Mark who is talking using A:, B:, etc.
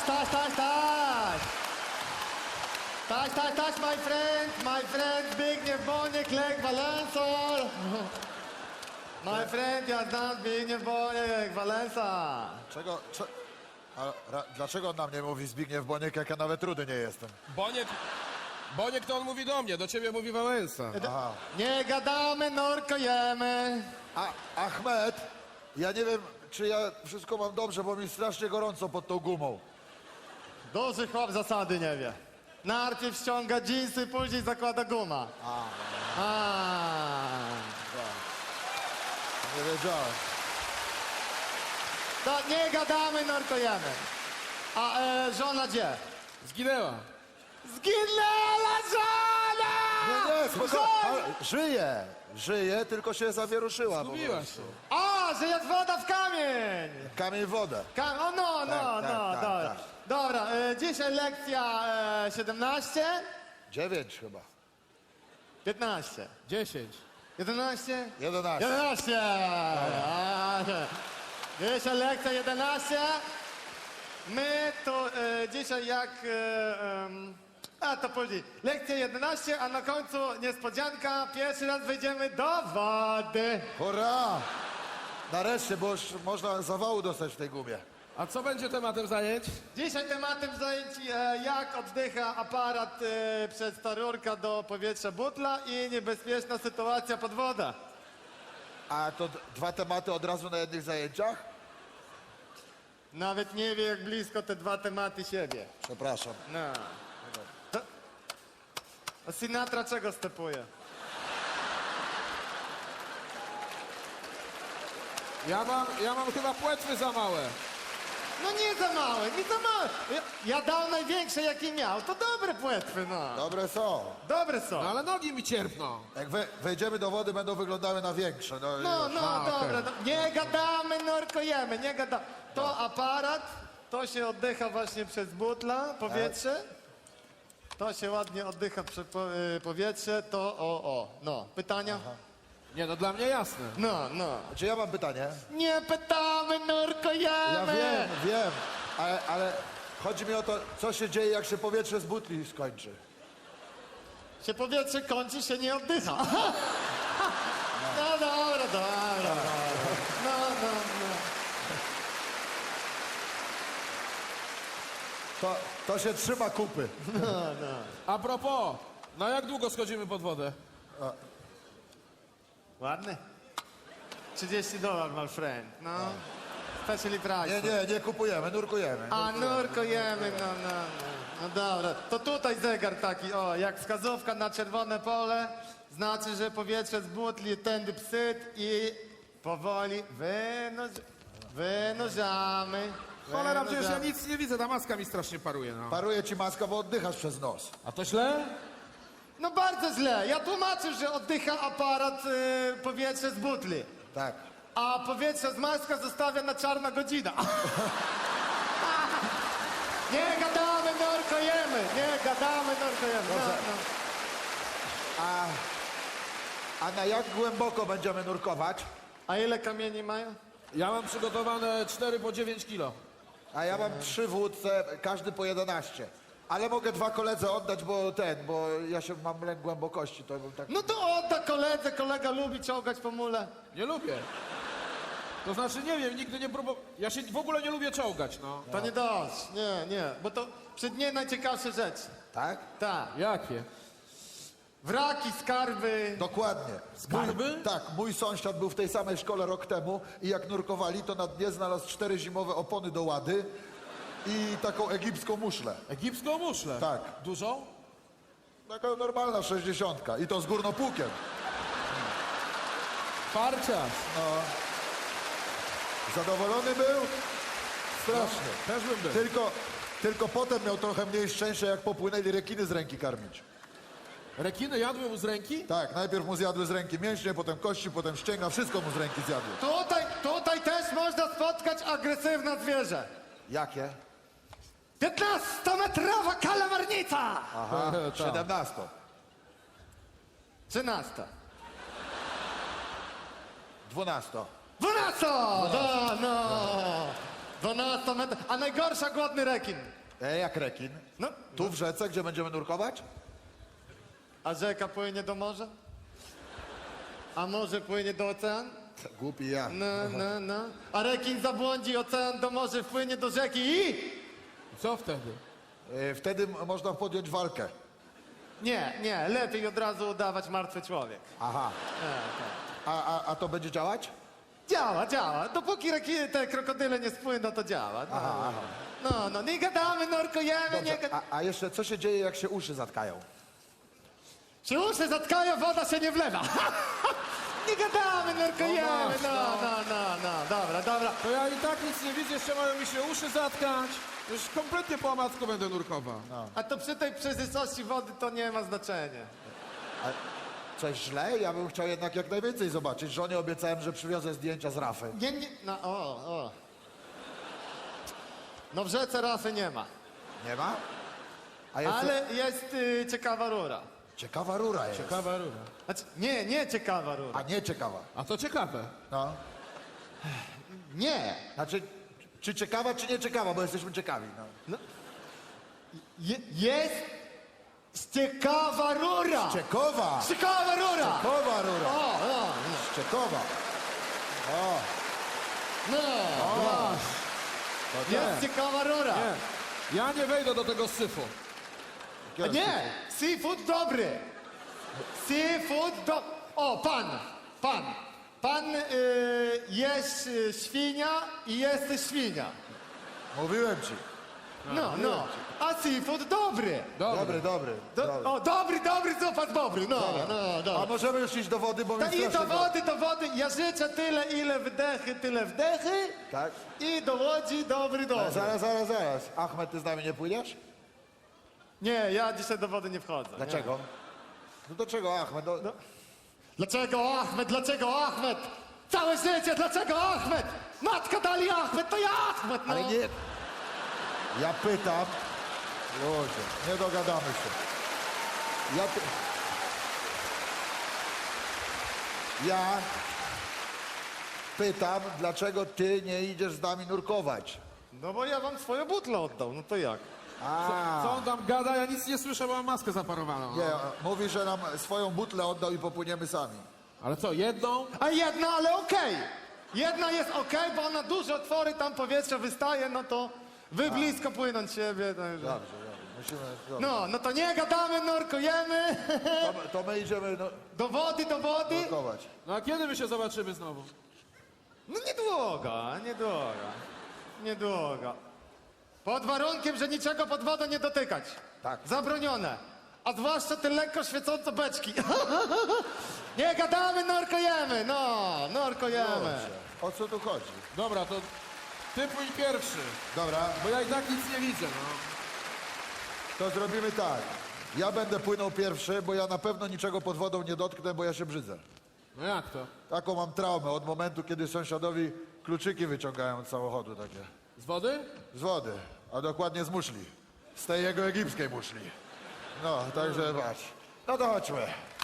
A: Taś, my friend, Zbigniew Boniek, Lech Wałęsa. My friend, ja znam Zbigniew Boniek, Wałęsa.
B: Dlaczego on na mnie mówi Zbigniew Boniek, jak ja nawet rudy nie jestem?
C: Boniek to on mówi do mnie, do ciebie mówi Wałęsa.
A: Nie gadamy, nurkujemy.
B: Achmed, ja nie wiem, czy ja wszystko mam dobrze, bo mi strasznie gorąco pod tą gumą.
A: Duży chłop zasady nie wie. Najpierw ściąga dżinsy, później zakłada guma.
B: Nie wiedziałem.
A: To nie gadamy, nurkujemy. A żona gdzie?
C: Zginęła.
A: Zginęła żona!
B: Nie, spokojnie. Żyje, tylko się zawieruszyła.
C: Zgubiła się.
A: A, że jest woda w kamień!
B: Kamień w wodę.
A: O, no, dobra.
B: tak.
A: Dobra, dzisiaj lekcja 17,
B: 9 chyba.
A: 15,
C: 10.
A: 11,
B: 11.
A: 11! Dzisiaj lekcja 11. My to dzisiaj jak... to później. Lekcja 11, a na końcu niespodzianka. Pierwszy raz wejdziemy do wody.
B: Hurra! Nareszcie, bo już można zawału dostać w tej gumie.
C: A co będzie tematem zajęć?
A: Dzisiaj tematem zajęć jak oddycha aparat przez ta rurka do powietrza butla i niebezpieczna sytuacja pod wodą.
B: A to dwa tematy od razu na jednych zajęciach?
A: Nawet nie wie jak blisko te dwa tematy siebie.
B: Przepraszam.
A: No. A Sinatra czego stepuje?
C: Ja mam chyba płetwy za małe.
A: No nie za małe, nie za małe. Ja dał największe jakie miał, to dobre płetwy, no.
B: Dobre są.
A: Dobre są.
C: No ale nogi mi cierpną.
B: Jak wejdziemy do wody, będą wyglądały na większe.
A: No, dobra.
C: okej.
A: Nie gadamy, nurkujemy, nie gadamy. To aparat, to się oddycha właśnie przez butla, powietrze. To się ładnie oddycha przez powietrze, to no. Pytania?
C: Nie, no dla mnie jasne.
A: No.
B: Czy ja mam pytanie?
A: Nie pytamy, nurkujemy.
B: Ja wiem, ale chodzi mi o to, co się dzieje, jak się powietrze z butli skończy.
A: Się powietrze kończy, się nie oddycha. No dobra. No.
B: To się trzyma kupy.
C: A propos, na jak długo schodzimy pod wodę?
A: Ładny? $30, my friend, no. Specially price.
B: Nie kupujemy, nurkujemy.
A: A, nurkujemy, no dobra. To tutaj zegar taki, jak wskazówka na czerwone pole, znaczy, że powietrze z butli tędy psyt i powoli wynurzamy.
C: Cholera, przecież ja nic nie widzę, ta maska mi strasznie paruje, no.
B: Paruje ci maska, bo oddychasz przez nos.
C: A to źle?
A: No bardzo źle. Ja tłumaczę, że oddycha aparat powietrze z butli.
B: Tak.
A: A powietrze z maska zostawia na czarna godzina. Nie gadamy, nurkujemy. No.
B: A na jak głęboko będziemy nurkować?
A: A ile kamieni mają?
C: Ja mam przygotowane 4 po 9 kilo.
B: A ja mam 3 w łódce, każdy po 11. Ale mogę 2 koledze oddać, bo ja się mam lęk głębokości, to bym tak...
A: No to odda koledze, kolega lubi czołgać po mule.
C: Nie lubię. To znaczy, nie wiem, nigdy nie próbowałem. Ja się w ogóle nie lubię czołgać, no.
A: To nie dość, nie, bo to przed nie najciekawsze rzeczy.
B: Tak?
A: Tak.
C: Jakie?
A: Wraki, skarby.
B: Dokładnie.
C: Skarby?
B: Tak, mój sąsiad był w tej samej szkole rok temu i jak nurkowali, to na dnie znalazł 4 zimowe opony do łady i taką egipską muszlę.
C: Egipską muszlę?
B: Tak.
C: Dużą?
B: Taka normalna 60 i to z górnopłukiem.
C: Farciarz.
B: Zadowolony był? Strasznie.
C: Też bym był.
B: Tylko potem miał trochę mniej szczęścia, jak popłynęli rekiny z ręki karmić.
C: Rekiny jadły mu z ręki?
B: Tak, najpierw mu zjadły z ręki mięśnie, potem kości, potem ścięga, wszystko mu z ręki zjadły.
A: Tutaj też można spotkać agresywne zwierzę.
B: Jakie?
A: 15-metrowa kalamarnica!
B: Aha,
C: Tak.
B: 17.
A: 13.
B: 12.
A: 12! No. 12 metrów. A najgorsza głodny rekin.
B: Jak rekin.
A: No,
B: Tu w rzece, gdzie będziemy nurkować?
A: a rzeka płynie do morza? A morze płynie do oceanu?
B: Głupi ja.
A: No. A rekin zabłądzi, ocean do morza wpłynie do rzeki i...
C: Co wtedy?
B: Wtedy można podjąć walkę.
A: Nie, lepiej od razu udawać martwy człowiek.
B: Aha. A to będzie działać?
A: Działa. Dopóki te krokodyle nie spłyną, to działa. No, nie gadamy, nurkujemy, nie
B: Dobrze.
A: gadamy.
B: A jeszcze co się dzieje, jak się uszy zatkają?
A: Się uszy zatkają, woda się nie wlewa. Nie gadamy, nurkujemy, no. Dobra.
C: To ja i tak nic nie widzę, jeszcze mają mi się uszy zatkać. Już kompletnie po omacku będę nurkował.
A: A to przy tej przejrzystości wody to nie ma znaczenia.
B: Coś źle? Ja bym chciał jednak jak najwięcej zobaczyć. Żonie obiecałem, że przywiozę zdjęcia z rafy.
A: Nie, no, o. No w rzece rafy nie ma,
B: Nie ma? A jest
A: ale jest ciekawa rura.
B: ciekawa rura jest.
C: Ciekawa rura.
A: Znaczy, nie ciekawa rura.
B: A nie ciekawa.
C: A to ciekawe.
B: No.
A: Nie.
B: Znaczy, czy ciekawa, czy nie ciekawa, bo jesteśmy ciekawi. No.
A: Jest ciekawa rura.
B: Czekowa!
A: Ciekawa rura.
B: Czekowa rura!
A: O.
B: Czekowa! O!
A: No.
B: To
A: Jest ciekawa rura.
C: Nie. Ja nie wejdę do tego syfu.
A: A nie, seafood dobry. Seafood do... O, pan jest świnia i jesteś świnia.
B: Mówiłem ci.
A: No. A seafood dobry.
B: Dobry.
A: O, dobry, zupas dobry. No.
B: A możemy już iść do wody, bo mi
A: I do
B: strasznie
A: wody. Ja życzę tyle, ile wdechy, tyle wdechy.
B: Tak?
A: I do łodzi dobry.
B: Zaraz. Achmed, ty z nami nie pójdziesz?
A: Nie, ja dzisiaj do wody nie wchodzę.
B: Dlaczego? No do czego Achmed? No.
A: Dlaczego Ahmed? Całe życie, dlaczego Ahmed? Matka dali Ahmed, to ja Ahmed, no.
B: Ale nie... Ja pytam... Ludzie, nie dogadamy się. Ja pytam, dlaczego ty nie idziesz z nami nurkować?
A: No bo ja wam swoją butlę oddał, no to jak?
C: Co on tam gada? Ja nic nie słyszę, bo mam maskę zaparowaną.
B: Nie, mówi, że nam swoją butlę oddał i popłyniemy sami.
C: Ale co, jedną?
A: A jedna, ale okej. Jedna jest okej, bo ona duże otwory, tam powietrze wystaje, no to wy blisko płynąć siebie. Także.
B: Dobrze. Musimy... Dobrze.
A: No to nie gadamy, nurkujemy.
B: To my idziemy
A: Do wody.
B: nurkować.
C: No a kiedy my się zobaczymy znowu?
A: No niedługo. Pod warunkiem, że niczego pod wodą nie dotykać.
B: Tak.
A: Zabronione. A zwłaszcza te lekko świecące beczki. Nie gadamy, nurkujemy. Nurkujemy.
B: O co tu chodzi?
C: Dobra, to ty pójdź pierwszy,
B: Dobra,
C: bo ja i tak nic nie widzę, no.
B: to zrobimy tak. Ja będę płynął pierwszy, bo ja na pewno niczego pod wodą nie dotknę, bo ja się brzydzę.
C: No jak to?
B: Taką mam traumę od momentu, kiedy sąsiadowi kluczyki wyciągają z samochodu takie.
C: Z wody?
B: Z wody, a dokładnie z muszli. Z tej jego egipskiej muszli. No, także patrz. No to chodźmy.